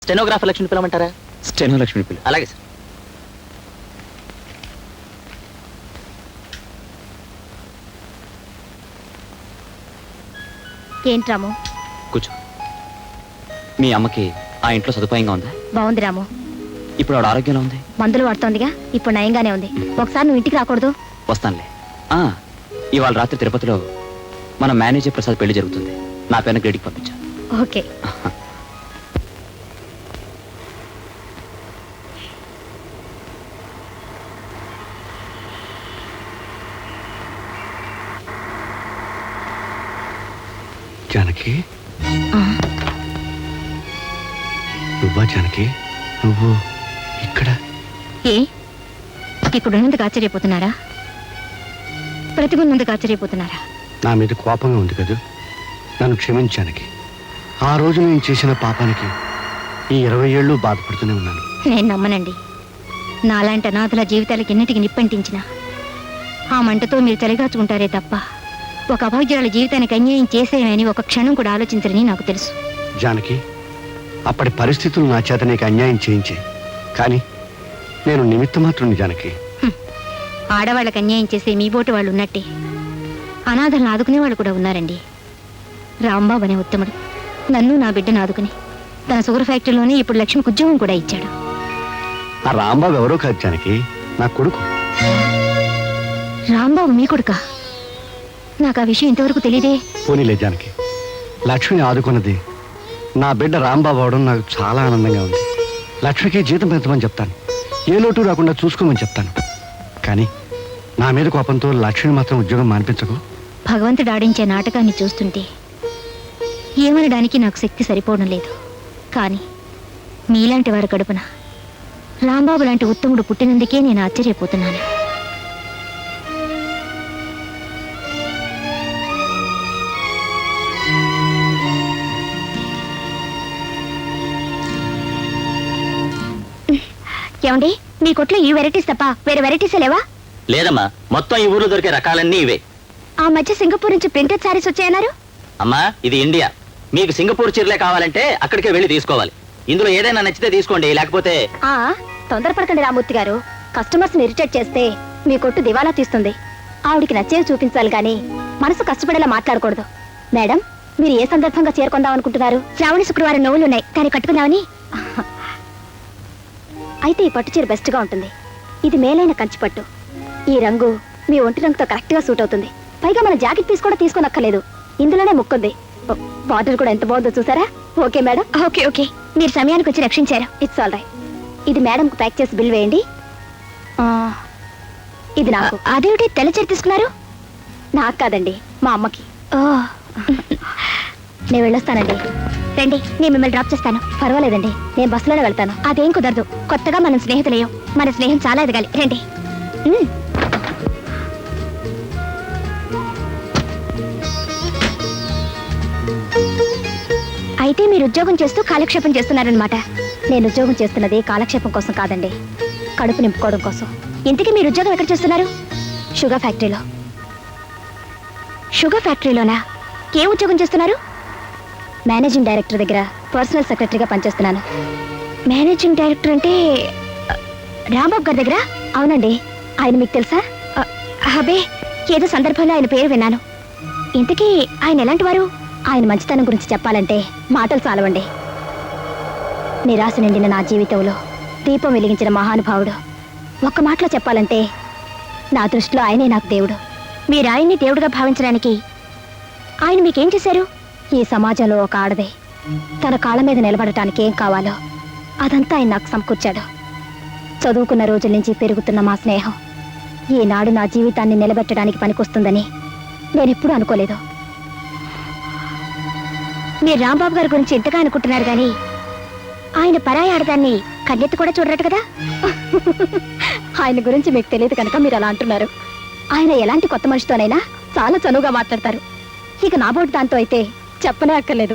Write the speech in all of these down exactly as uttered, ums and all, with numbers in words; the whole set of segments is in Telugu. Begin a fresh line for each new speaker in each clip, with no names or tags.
స్టెనోగ్రాఫర్ లక్ష్మి పిలవమంటారా?
స్టెనో లక్ష్మి పిల్ల.
అలాగే సార్.
ఏంటి రాము?
కూర్చో. మీ అమ్మకి ఆ ఇంట్లో సదుపాయంగా ఉందా?
బాగుంది రాము.
ఇప్పుడు ఆవిడ ఆరోగ్యంలో ఉంది?
మందులు వాడుతోందిగా, ఇప్పుడు నయంగానే ఉంది. ఒకసారి నువ్వు ఇంటికి రాకూడదు?
వస్తానులే. ఆ, ఇవాళ రాత్రి తిరుపతిలో మన మేనేజర్ ప్రసాద్ పెళ్లి జరుగుతుంది. నా పేరున గ్రేడికి పంపించా.
ఓకే.
జానకి, నువ్వా జానకి? నువ్వు ఇక్కడ?
ఏ ఇక్కడ ఉన్నందుకు ఆశ్చర్యపోతున్నారా? ప్రతిగున్నందుకు ఆశ్చర్యపోతున్నారా?
నా మీద కోపంగా ఉంది కదా, నన్ను క్షమించానికి. ఆ రోజు నేను చేసిన పాపానికి ఈ ఇరవై ఏళ్ళు బాధపడుతూనే ఉన్నాను.
నేను నమ్మనండి. నాలాంటి అనాథల జీవితాలకి ఎన్నిటికి నిప్పంటించిన ఆ మంటతో మీరు చలిగాచుకుంటారే తప్ప ఒక అభాగ్యురాల జీవితానికి అన్యాయం చేసేయమని ఒక క్షణం కూడా ఆలోచించరని నాకు తెలుసు.
జానకి, అప్పటి పరిస్థితులు నా చేత నీకు అన్యాయం చేయించే, కానీ నేను నిమిత్త మాత్రుని జానకి.
ఆడవాళ్ళకి అన్యాయం చేసే మీ బోటు వాళ్ళు ఉన్నట్టే అనాథలను ఆదుకునే వాళ్ళు కూడా ఉన్నారండి. రాంబాబు అనే ఉత్తముడు నన్ను నా బిడ్డను ఆదుకుని తన షుగర్ ఫ్యాక్టరీలోనే ఇప్పుడు లక్ష్మికి ఉద్యోగం కూడా ఇచ్చాడు.
ఆ రాంబాబు ఎవరో కాదు జానకి, నా కొడుకు.
రాంబాబు మీ కొడుకా? నాకు ఆ విషయం ఇంతవరకు తెలియదే.
పోనీలే జానకి, లక్ష్మిని ఆదుకున్నది నా బిడ్డ రాంబాబు అవడం నాకు చాలా ఆనందంగా ఉంది. లక్ష్మికి జీతం పెంచమని చెప్తాను, ఏ లోటు రాకుండా చూసుకోమని చెప్తాను. కానీ నా మీద కోపంతో లక్ష్మిని మాత్రం ఉద్యోగం మానిపించకు.
భగవంతుడు ఆడించే నాటకాన్ని చూస్తుంటే ఏమనడానికి నాకు శక్తి సరిపోవడం లేదు. కానీ మీలాంటి వారి కడుపున రాంబాబు లాంటి ఉత్తముడు పుట్టినందుకే నేను ఆశ్చర్యపోతున్నాను. ఏమండి, మీ కొట్లో ఈ వెరైటీస్ తప్ప వేరే వెరైటీస్ లేవా?
లేదమ్మా, మొత్తం ఈ ఊర్లో దొరికే రకాలన్నీ ఇవే.
ఆ మధ్య సింగపూర్ నుంచి ప్రింటెడ్ సారీస్ వచ్చాయన్నారు.
అమ్మా, ఇది ఇండియా. మీకు సింగపూర్ చీరలే కావాలంటే అక్కడికే వెళ్ళి తీసుకోవాలి. ఇందులో ఏదైనా నచ్చితే తీసుకోండి, లేకపోతే...
ఆ తొందరపడకండి రామూర్తి గారు. కస్టమర్స్ ని ఇరిటేట్ చేస్తే మీ కొట్టు దివాలా తీస్తుంది. ఆవిడికి నచ్చేవి చూపించాలి కానీ మనసు కష్టపడేలా మాట్లాడకూడదు. మేడం, మీరు ఏ సందర్భంగా చేరుకుందాం అనుకుంటున్నారు? శ్రావణ శుక్రవారం నవ్వులు ఉన్నాయి కానీ కట్టుకుందామని. అయితే ఈ పట్టు చీర బెస్ట్ గా ఉంటుంది. ఇది మేలైన కంచి పట్టు. ఈ రంగు మీ ఒంటి రంగుతో కరెక్ట్ గా సూట్ అవుతుంది. పైగా మన జాకెట్ పీస్ కూడా తీసుకోనక్కర్లేదు, ఇందులోనే ముక్కుంది. బార్డర్ కూడా ఎంత బాగుందో చూసారా? Okay madam. ఓకే ఓకే, మీరు సమయానికి వచ్చి రక్షించారు. It's all right. ఇది మేడంకు ప్యాక్ చేసి బిల్ వేయండి. ఇది నాకు. అదేమిటి తెల్ల చీర తీసుకున్నారు? నాకు కాదండి, మా అమ్మకి. నేను వెళ్ళొస్తానండి. రండి, నేను మిమ్మల్ని డ్రాప్ చేస్తాను. పర్వాలేదండి, నేను బస్సులోనే వెళ్తాను. అదేం కుదరదు, కొత్తగా మనం స్నేహితులేయం. మన స్నేహం చాలా ఎదగాలి. రండి. అయితే మీరు ఉద్యోగం చేస్తూ కాలక్షేపం చేస్తున్నారనమాట. నేను ఉద్యోగం చేస్తున్నది కాలక్షేపం కోసం కాదండి, కడుపు నింపుకోవడం కోసం. ఇంతకీ మీరు ఉద్యోగం ఎక్కడ చేస్తున్నారు? షుగర్ ఫ్యాక్టరీలో. షుగర్ ఫ్యాక్టరీలోనా? ఏ ఉద్యోగం చేస్తున్నారు? మేనేజింగ్ డైరెక్టర్ దగ్గర పర్సనల్ సెక్రటరీగా పనిచేస్తున్నాను. మేనేజింగ్ డైరెక్టర్ అంటే రాంబాబు గారి దగ్గర? అవునండి. ఆయన మీకు తెలుసా? అబే, ఏదో సందర్భంలో ఆయన పేరు విన్నాను. ఇంతకీ ఆయన ఎలాంటి వారు? ఆయన మంచితనం గురించి చెప్పాలంటే మాటలు చాలవండి. నిరాశ నిండిన నా జీవితంలో దీపం వెలిగించిన మహానుభావుడు. ఒక్క మాటలో చెప్పాలంటే నా దృష్టిలో ఆయనే నాకు దేవుడు. మీరు ఆయన్ని దేవుడిగా భావించడానికి ఆయన మీకేం చేశారు? ఈ సమాజంలో ఒక ఆడదే తన కాళ్ళ మీద నిలబడటానికి ఏం కావాలో అదంతా ఆయన నాకు సమకూర్చాడు. చదువుకున్న రోజుల నుంచి పెరుగుతున్న మా స్నేహం ఈనాడు నా జీవితాన్ని నిలబెట్టడానికి పనికొస్తుందని నేనెప్పుడూ అనుకోలేదు. మీరు రాంబాబు గారి గురించి ఎంతగా అనుకుంటున్నారు కానీ ఆయన పరాయి ఆడదాన్ని కన్నెత్తి కూడా చూడరట కదా. ఆయన గురించి మీకు తెలియదు కనుక మీరు అలా అంటున్నారు. ఆయన ఎలాంటి కొత్త మనిషితోనైనా చాలా చనువుగా మాట్లాడతారు. ఇక నా బోటు దాంతో అయితే చెప్పనే అక్కర్లేదు.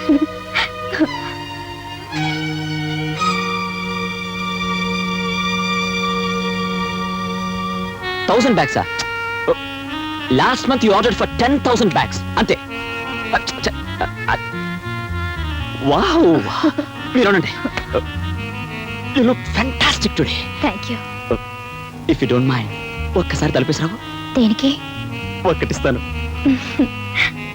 థౌసండ్ బ్యాగ్సా? Last month you order for ten thousand bags అంతే. వావ్, మీరు ఉండండి. You look fantastic today.
Thank you.
If you don't mind ఒక్కసారి తలపేసిరావు.
దేనికి?
ఒక్కటిస్తాను.